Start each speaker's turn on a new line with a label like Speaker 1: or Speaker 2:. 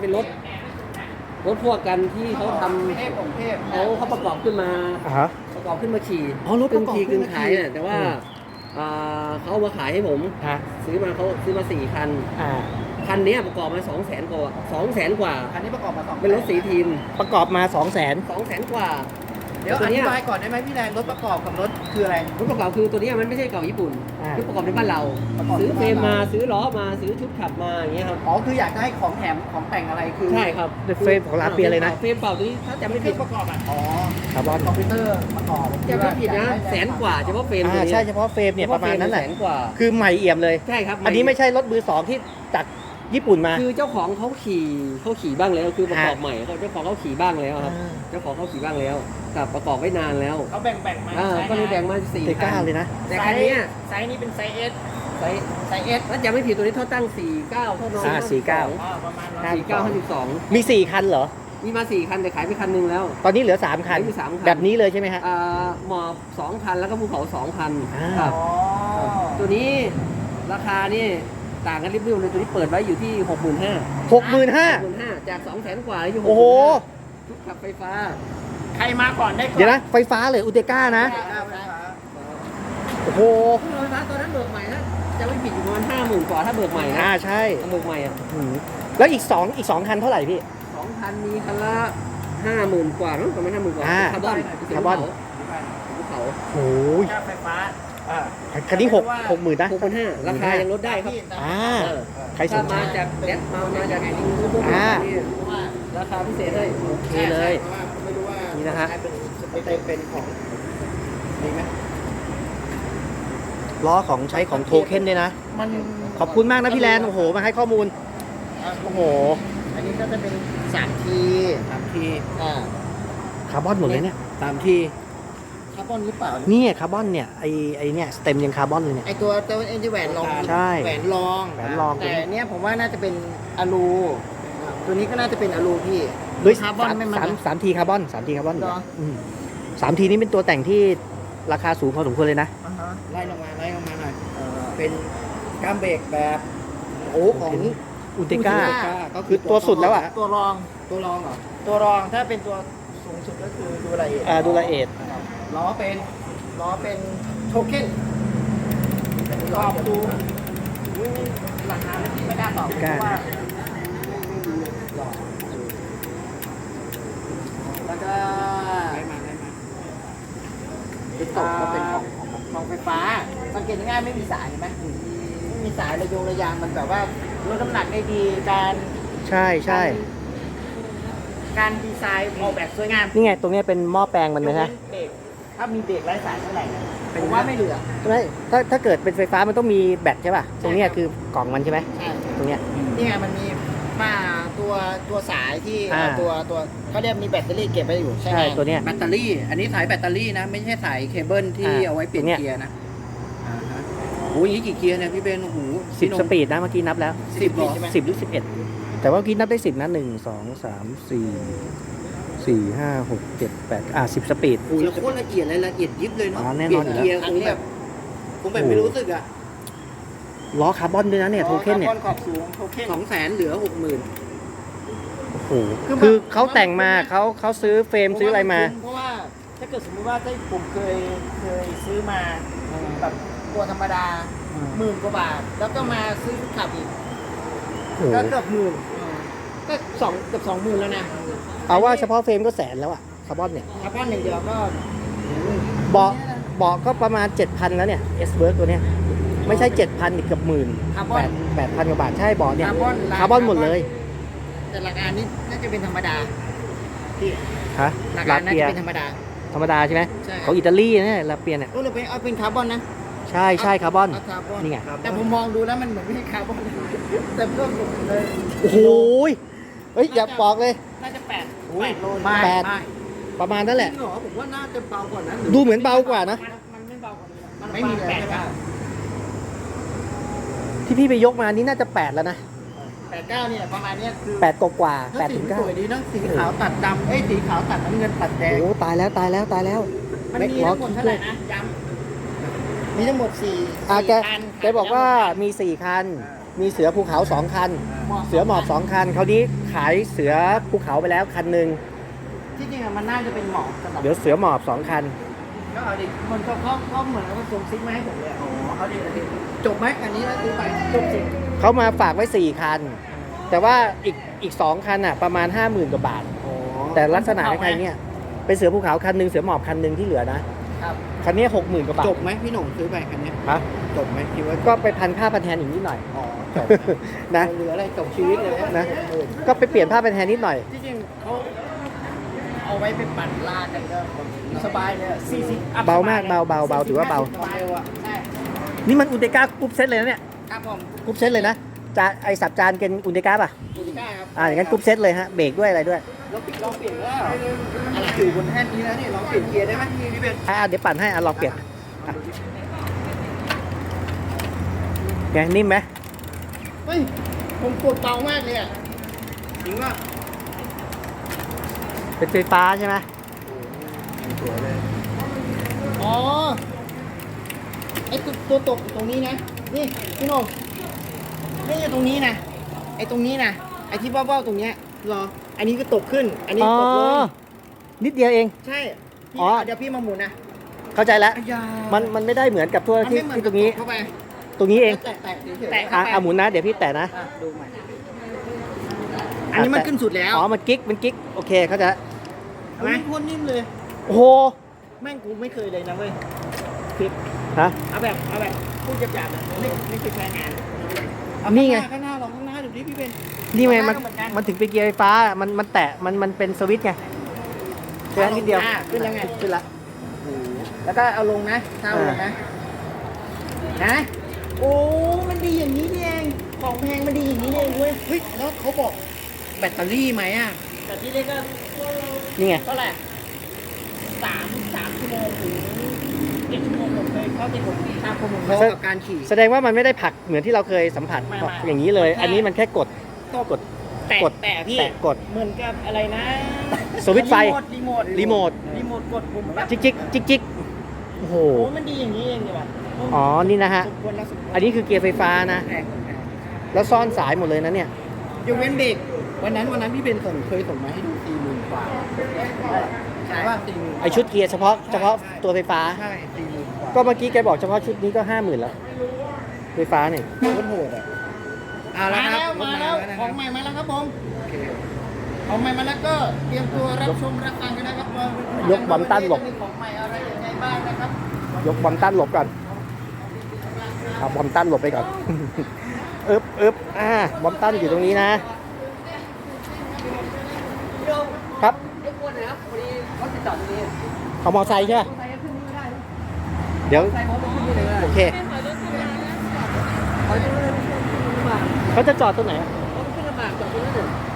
Speaker 1: เป็นรถพวกกันที่เขาทำเขาประกอบขึ้นมา
Speaker 2: ฮะ
Speaker 1: ประกอบขึ้นมาขี่
Speaker 2: อ๋อรถประกอบ
Speaker 1: ขี่
Speaker 2: ขึ้น
Speaker 1: ขายเนี่ยแต่ว่าเขาเอามาขายให้ผม
Speaker 2: ฮะ
Speaker 1: ซื้อมา4 คัน
Speaker 2: อ่า
Speaker 1: คันนี้ประกอบมา200,000 กว่า200,000 กว่า
Speaker 3: คันนี้ประกอบมา2
Speaker 1: เป็นรถสีทีม
Speaker 2: ประกอบมา 200,000
Speaker 1: 200,000 กว่า
Speaker 3: เดี๋ยวอธิบายก่อนได้ไหมพี่แดนรถประกอบกับรถคืออะไร
Speaker 1: รถประกอบคือตัวนี้มันไม่ใช่เก่าญี่ปุ่น
Speaker 2: อ่า
Speaker 1: คือประกอบในบ้านเรา
Speaker 3: ประกอบใน
Speaker 1: ซื้อเฟรม
Speaker 3: บ้านเรา
Speaker 1: มาซื้อล้อมาซื้อชุดขับมาอย่างเงี้ยครับ
Speaker 3: อ๋อคืออยากจะให้ของแถมของแต่งอะไรคือ
Speaker 1: ใช่ครับ
Speaker 2: เฟรมของร้านเปียเลยนะ
Speaker 1: เฟรมเปล่าตัวนี้ถ้าจำไม่
Speaker 3: เค
Speaker 1: ผิ
Speaker 3: รื่
Speaker 1: ด
Speaker 3: องประกอบอ่ะอ๋อ
Speaker 2: คาร์บอน
Speaker 3: คอมพิวเตอร์ประกอบ
Speaker 1: จำไม่ผิดนะ100,000 กว่าเฉพาะเฟรมตัวนี้
Speaker 2: ใช่เฉพาะเฟรมเนี่ยประมาณนั้นแหละ
Speaker 1: 100,000 กว่า
Speaker 2: คือใหม่เอี่ยมเลย
Speaker 1: ใช่ครับ
Speaker 2: อันนี้ไม่ใช่รถมือ 2ที่จากญี่ปุ่นมา
Speaker 1: คือเจ้าของเขาขี่บ้างแล้วคือประกอบใหม่เจ้าของเขาขี่บ้างแล้วครับ เจ้าของเขาขี่บ้างแล้วกับประกอบไว้นานแล้ว
Speaker 3: เขาแบ่งมา
Speaker 1: ก็เลยแบ่งมา4
Speaker 2: เตก้าเลยนะ
Speaker 1: แต่คันเนี้ย
Speaker 3: ไซส์นี้เป็นไซส์ S
Speaker 1: ไซส์
Speaker 3: ไซส์ S
Speaker 1: ถ้าจำไม่ผิดตัวนี้เขาตั้ง49เท่าน้อง
Speaker 3: ประมาณ
Speaker 1: 49
Speaker 2: มี 4 คันเหรอ
Speaker 1: 52มีมา4 คันแต่ขายไปคันนึงแล้ว
Speaker 2: ตอนนี้เหลือ 3 คัน
Speaker 1: เหลือ3 คัน
Speaker 2: แบบนี้เลยใช่ไหมฮะ
Speaker 1: หมอบ2 คันแล้วก็ภูเขา2 คัน
Speaker 2: อ่า
Speaker 1: ครับ
Speaker 3: อ๋อ
Speaker 1: ตัวนี้ราคานี่ต่างกันริบๆเลยตัวนี้เปิดไว้อยู่ที่ 65,000
Speaker 2: 65,000
Speaker 1: จาก 200,000 กว่าอยู่
Speaker 2: โอ้โห
Speaker 1: ชุดขับไฟฟ้า
Speaker 3: ใครมาก่อนได้ก่อน
Speaker 2: เดี๋ยวนะ ไฟฟ้าเลยอุเตก้านะ โอ้โห
Speaker 1: เครื่องไฟฟ้าตอนนั้นเบิกใหม่นะจะไม่ผิดอยู่ประมาณ50,000 กว่าถ้าเบิกใหม่นะ
Speaker 2: ใช่
Speaker 1: ถ้าเบิกใหม่อ่ะ
Speaker 2: อืมแล้วอีก2คันเท่าไหร่พี่
Speaker 1: 2,000 มีคันละ50,000 กว่ามั้งประมาณ50,000 กว่า
Speaker 2: อ่า
Speaker 1: คาร์บอน
Speaker 2: คาร์บอน
Speaker 1: ภูเขา
Speaker 2: โอ้ย
Speaker 3: ค่าไฟฟ้า
Speaker 2: คันนี้60,000นะ
Speaker 1: 6,500 ราคายังลดได้ครับ
Speaker 2: อ่า
Speaker 1: เออ
Speaker 2: ใครส
Speaker 1: ถ้าน
Speaker 2: ใจ
Speaker 1: มาจากแดดมาจากไอ้นี่พวก
Speaker 2: อ่า
Speaker 1: นี้ราคาพิเศษเลยโอเคเลย
Speaker 3: ไม่รู้ว่า
Speaker 2: นี่นะฮะ
Speaker 3: เป็นของดีไหม
Speaker 2: ล้อของใช้ของโทเค็นด้วยนะ
Speaker 3: มัน
Speaker 2: ขอบคุณมากนะพี่แลนโอ้โห มาให้ข้อมูล โอ้โห
Speaker 3: อันนี้ก็จะเป็น3 ที
Speaker 2: คาร์บอนหมดเลยเนี่ย
Speaker 1: 3 ที
Speaker 3: คาร์บอนหรือเปล่า
Speaker 2: นี่คาร์บอนเนี่ยไอเนี่ยสเต็มยังคาร์บอนเลยเนี่ย
Speaker 3: ไอตัวเอ็นจีแหวนรอง
Speaker 2: ใช่
Speaker 3: แหวนรอง
Speaker 2: แหวนรอง
Speaker 3: แต่เนี้ยผมว่าน่าจะเป็นอะลู ตัวนี้ก็น่าจะเป็นอะลูพี่
Speaker 2: ด้วย
Speaker 3: คาร์บอนไม่มันนะ
Speaker 2: สามทีคาร์บอน3 ทีคาร์บอน
Speaker 3: เหรอ
Speaker 2: 3 ทีนี้เป็นตัวแต่งที่ราคาสูงพอสมควรเลยนะ
Speaker 3: ไล่ลงมาหน่อยเป็นก้ามเบรกแบบโอ้ของ
Speaker 2: อุติก้า
Speaker 3: ก็
Speaker 2: คือตัวสุดแล้วอะ
Speaker 3: ตัวรองเหรอตัวรองถ้าเป็นตัวสูงสุดก็คือดูละเอียด
Speaker 2: ดูละเอียด
Speaker 3: ล้อเป็นโทเค็นตอบดูราคาไม่กล้าตอบเพราะว่าแล้วก็เป็นตกก็เป็นของไฟฟ้าสังเกตง่ายๆไม่มีสายเห็นไหมไม่มีสายระยางมันแบบว่าลดน้ำหนักได้ดีการ
Speaker 2: ใช่ใช่
Speaker 3: การดีไซน์ออกแบบสวยงาม
Speaker 2: นี่ไงตรงเนี้ยเป็นหม้อแปลงมันไหมฮะ
Speaker 3: เบรกถ้ามีเบรกไร้สายเท่าไหร่นะผมว่าไม่เหลือ
Speaker 2: ไม่ถ้าเกิดเป็นไฟฟ้ามันต้องมีแบตใช่ป่ะ ตรงเนี้ยคือกล่องมันใช่ไหม
Speaker 3: ใช่
Speaker 2: ตรงเนี้ย
Speaker 3: นี่ไงมันมีมาตัวสายที่
Speaker 2: อ่า
Speaker 3: ตัวเขาเรียกมีแบตเตอรี่เก็บไว้อยู่ใช่ไหม
Speaker 2: ใช่ตัวเนี้ย
Speaker 3: แบตเตอรี่ อันนี้สายแบตเตอรี่นะ ไม่ใช่สายเคเบิลที่เอาไว้เปลี่ยน
Speaker 2: ตรงเนี้ย
Speaker 3: เกียร์นะโอ้ยนี่กี่เกียร์เนี่ยพี่เบนโอ้โห
Speaker 2: 10 สปีดนะเมื่อกี้นับแล้ว
Speaker 3: 10เหรอ
Speaker 2: 10 หรือ 11 แต่ว่าเมื่อกี้นับได้ 10 นะ 1 2 3 4 4 5 6 7 8 10 สปีด
Speaker 3: โอ้ยแล้วโคตรละเอียดเลยละเอียดยิบเลยเนาะ
Speaker 2: แน่
Speaker 3: เป
Speaker 2: น
Speaker 3: ลี่
Speaker 2: อย น
Speaker 3: น
Speaker 2: อยู่แล้ว
Speaker 3: เกียร์คงแบบไม่รู้สึกอ่ะ
Speaker 2: ล้อคาร์บอนด้วยนะเนี่ยโทเค็นเนี่ย
Speaker 3: คาร์บอขอบสูงโทเค็น
Speaker 1: 200,000 เหลือ 60,000
Speaker 2: โอ้โหคือเขาแต่งมาเขาซื้อเฟรมซื้ออะไรมา
Speaker 3: เพราะว่าถ้าเกิดสมมติว่าถ้าผมเคยซื้อมาแบบตัวธรรมดา10,000 กว่าบาท แล้วก็มาซื้อขับอีก
Speaker 2: โอ้โห
Speaker 3: ก็เกือบ10,000ก็เกือบ20,000แล้วนะ
Speaker 2: เอาว่าเฉพาะเฟรมก็แสนแล้วอะคาร์บอนเนี่ย
Speaker 3: คาร์บอนอย่างเดียวก็
Speaker 2: เบาะก็ประมาณ 7,000 แล้วเนี่ย S-Work ตัวเนี้ยไม่ใช่ 7,000อีกเกือบหมื่น
Speaker 3: คาร์บอน
Speaker 2: 8,000 กว่าบาทใช่เบาะเนี่ย
Speaker 3: คาร์บอน
Speaker 2: คาร์บอนหมดเลย
Speaker 3: แต่หลักการนี้น่าจะเป็นธรรมดาที่
Speaker 2: ฮะ
Speaker 3: หลัก
Speaker 2: ลา
Speaker 3: การน่า
Speaker 2: เปีย
Speaker 3: จะเป็นธรรมดา
Speaker 2: ธรรมดาใช่ไหม
Speaker 3: ใช่
Speaker 2: ของอิตาลีเนี่ยลาเปียเนี่ย
Speaker 3: ก็เลยเอาเป็นคาร์บอนนะ
Speaker 2: ใช่ใช่คาร์บอน
Speaker 3: เาคาร์บอน
Speaker 2: นี่ไง
Speaker 3: แต่ผมมองดูแล้วมันเหมือนไม่ใช่คาร์บอนแต่เพิ่มเลย
Speaker 2: โอ้โหเฮ้ยอย่าบอกเลย
Speaker 3: น่าจะ8โล
Speaker 2: แปด ประมาณนั้นแหละ
Speaker 1: จริงเหรอผมว่าน่าจะเบากว่านั้น
Speaker 2: ดูเหมือนเบากว่านะ
Speaker 3: มันไม่เบากว่านี้มันไม่มีเลยใช่ปะ
Speaker 2: ที่พี่ไปยกมานี่น่าจะ 8 แล้วนะ
Speaker 3: 8-9เนี่ยประมาณเนี้ยคือ
Speaker 2: 8 กว่าๆ
Speaker 3: ถ้า
Speaker 2: 8
Speaker 3: สี
Speaker 2: ถึง
Speaker 3: สวย
Speaker 2: 9
Speaker 3: ดีนะสีขาวตัดดำสีขาวตัดน้ำเงินตัดแดง
Speaker 2: โอ้ตายแล้วตายแล้วตายแล้ว
Speaker 3: มันมี
Speaker 2: ล้อ
Speaker 3: ทั้งหมด
Speaker 2: คิด
Speaker 3: เท่า
Speaker 2: ด้
Speaker 3: ไห
Speaker 2: ว
Speaker 3: ร่
Speaker 2: ย
Speaker 3: นะย้ำมีทั้งหมด4
Speaker 2: แก
Speaker 3: คัน
Speaker 2: แกบอกว่ามี4 คันมีเสือภูเขา2 คัน เสือหมอบ2 คันคราวนี้ขายเสือภูเขาไปแล้วคันหนึ่ง
Speaker 3: ที่จริงอะมันน่าจะเป็นหมอกสำหรับ
Speaker 2: เดี๋ยวเสือหมอบ2 คัน
Speaker 3: ก็เอาดิมันก็เขาเหมือนกับว่าส่งซิกมาให้ผมเลยอ๋อเอาดิจบไหมอันนี้แล้วซื้อไปจบสิ
Speaker 2: เขามาฝากไว้4 คัน แต่ว่าอีก2 คันอ่ะประมาณ 50,000 กว่าบาท
Speaker 3: อ๋อ
Speaker 2: แต่ลักษณะคล้ายๆเนี่ยเป็นเสือภูเขาคันหนึ่งเสือหมอบคันหนึ่งที่เหลือนะครับ คันนี้ 60,000 กว่าบาท
Speaker 3: จบไหมพี่หนุ่มซื้อไปคันเนี้ย
Speaker 2: ฮะ
Speaker 3: จบไหมคิดว่า
Speaker 2: ก็ไปพันผ้าพันแทนอีกนิดหน่อย
Speaker 3: อ๋อจบ
Speaker 2: นะ
Speaker 3: เหลืออะไรจบชีวิตเลย
Speaker 2: นะ ก็ไปเปลี่ยนผ้าพันแทนนิดหน่อย
Speaker 3: ที่จริงเขาเอาไว้ไปปั่นลากกันก็สบายเลย40
Speaker 2: เบามากเบาถือว่าเบา
Speaker 3: สบายอ่ะใช่
Speaker 2: นี่มันอุนเตก้ากรุ๊ปเซตเลยนะเนี่ย
Speaker 3: ครับผม
Speaker 2: กรุ๊ปเซตเลยนะจานไอสับจานเป็นอุนเตก้าป่ะ
Speaker 3: ดูได้ครับ
Speaker 2: อย่างนั้นกรุ๊ปเซตเลยฮะเบรกด้วยอะไรด้วย
Speaker 3: ลองเปลี่ยนแล้วอะไรอยู่บนแท่นนี้แล้วนี่ลองเปลี่ยนเกียร์ได้ไหมพี่เป็น
Speaker 2: เดี๋ยวปั่นให้ลองเปลี่ยนอ่ะไงนิ่มไหม
Speaker 3: เฮ้ยผมกดเบามากเลยอ่ะจริงว่า
Speaker 2: เป็นไฟฟ้าใช่ไหม
Speaker 3: สวยเลยอ๋อไอ้ตัวตกตรงนี้นะนี่พี่โน่นี่อยู่ตรงนี้นะไอ้ตรงนี้นะไอ้ที่เบ้าๆตรงเนี้ยรออันนี้ก็ตกขึ้น อันนี้
Speaker 2: อ๋อ
Speaker 3: ตกลง
Speaker 2: นิดเดียวเอง
Speaker 3: ใช่พี่
Speaker 2: อ๋อ
Speaker 3: เดี๋ยวพี่มาหมุนนะ
Speaker 2: เข้าใจแล้ว
Speaker 3: อ้ยา
Speaker 2: มันไม่ได้เหมือนกับทั่ว
Speaker 3: มัน
Speaker 2: ที่
Speaker 3: ไม่เหมือ
Speaker 2: ที่ตรงนี้
Speaker 3: เข้าไป
Speaker 2: ตรงนี้เอง
Speaker 3: แตะเฉยๆแตะเข้าไป
Speaker 2: หมุนนะเดี๋ยวพี่แตะนะ
Speaker 3: อ่ะดูใหม่อันนี้มันขึ้นสุดแล้ว
Speaker 2: อ๋อมันกิ๊กโอเคเข้าใจแล้ว
Speaker 3: เห็นไหมโคตรนิ่มเลย
Speaker 2: โอ้โห
Speaker 3: แม่งกูไม่เคยเลยนะเว้ยคลิป
Speaker 2: ฮะ
Speaker 3: เอาแบบพูดหยาบๆเลยไม่เคยใช้งานเอา
Speaker 2: นี่ไง
Speaker 3: ข้างหน้าลองข้างหน้าดูดิพี่เป็น
Speaker 2: นี่ไงมัน
Speaker 3: ข้างหาก็เหอกั
Speaker 2: มันถึงเป็นเกียร์ไฟฟ้ามันแตะมันเป็นสวิตช์ไงแค่นิดเดียว
Speaker 3: ขึ้นยังไง
Speaker 2: ขึ้นละ
Speaker 3: แล้วก็เอาลงนะถ้าเอาลงนะนะโอ้มันดีอย่างนี้นี่เองของแพงมันดีอย่างนี้นี่เองเว้ยเฮ้ยแล้วเขาบอกแบตเตอรี่ไหมอ่ะแบตเตอรี่ก็
Speaker 2: นี่ไง
Speaker 3: เท่าไหร่3 ชั่วโมงถึง7 ชั่วโมงผมเคยเข้าที่ผมทราบข้อมูลเขากับการขี่
Speaker 2: แสดงว่ามันไม่ได้ผลักเหมือนที่เราเคยสัมผัส
Speaker 3: ไม่
Speaker 2: อย่างนี้เลย อันนี้มันแค่กด กด
Speaker 3: แต่พี่
Speaker 2: แตะกด
Speaker 3: เหมือนกับอะไรนะ
Speaker 2: สวิตช์ไฟ
Speaker 3: รีโมท
Speaker 2: รีโมท
Speaker 3: กดปุ่มแบบ
Speaker 2: จิกโอ้โห
Speaker 3: โอ้มันดีอย่างนี้เองดีว่ะ
Speaker 2: อ๋อนี่นะฮะ
Speaker 3: สมควรแล้วสมควร
Speaker 2: อันนี้คือเกียร์ไฟฟ้านะ
Speaker 3: แพง
Speaker 2: แล้วซ่อนสายหมดเลยนะเนี่ย
Speaker 3: ยกเว้นเบรกวันนั้นพี่เบนเคยส่งมาให้ดู40,000 กว่าใช่ป่ะ40,000
Speaker 2: ไอชุดเกียร์เฉพาะตัวไฟฟ้า
Speaker 3: ใช่40,000 กว่า
Speaker 2: ก็เมื่อกี้แกบอกเฉพาะชุดนี้ก็ 50,000แล้ว ไฟฟ้าเนี่ย
Speaker 3: โคตรโหดอ่ะมาแล้วของใหม่มาแล้วครับผมของใหม่มาแล้วก็เตรียมตัวรับชมรับฟังกันนะครับว่าย
Speaker 2: กบอมตันหลบ
Speaker 3: มีของใหม่อะไรยังไงบ้างนะครับ
Speaker 2: ยกบอมตันหลบก่อนเอาบอมตันหลบไปก่อน บอมตันอยู่ตรงนี้นะ ครับ
Speaker 1: รบกวนหน่อยครับพอดีรถติดจอดตรงนี้
Speaker 2: เอามอไซค์ใช่ไหม
Speaker 1: มอเตอร์ไซค์ก็ขึ้นนี่ไม่ได้นะ
Speaker 2: เดี๋ยว
Speaker 1: มอเตอร์ไซค์เขาไปขึ้นนี่เลยนะ
Speaker 2: โอเค
Speaker 1: เขาจะเริ่มขึ้นลำบาก
Speaker 2: เขาจะจอดตรงไหนอะ
Speaker 1: เขาขึ้นลำบากจอดตรงนั้นเลย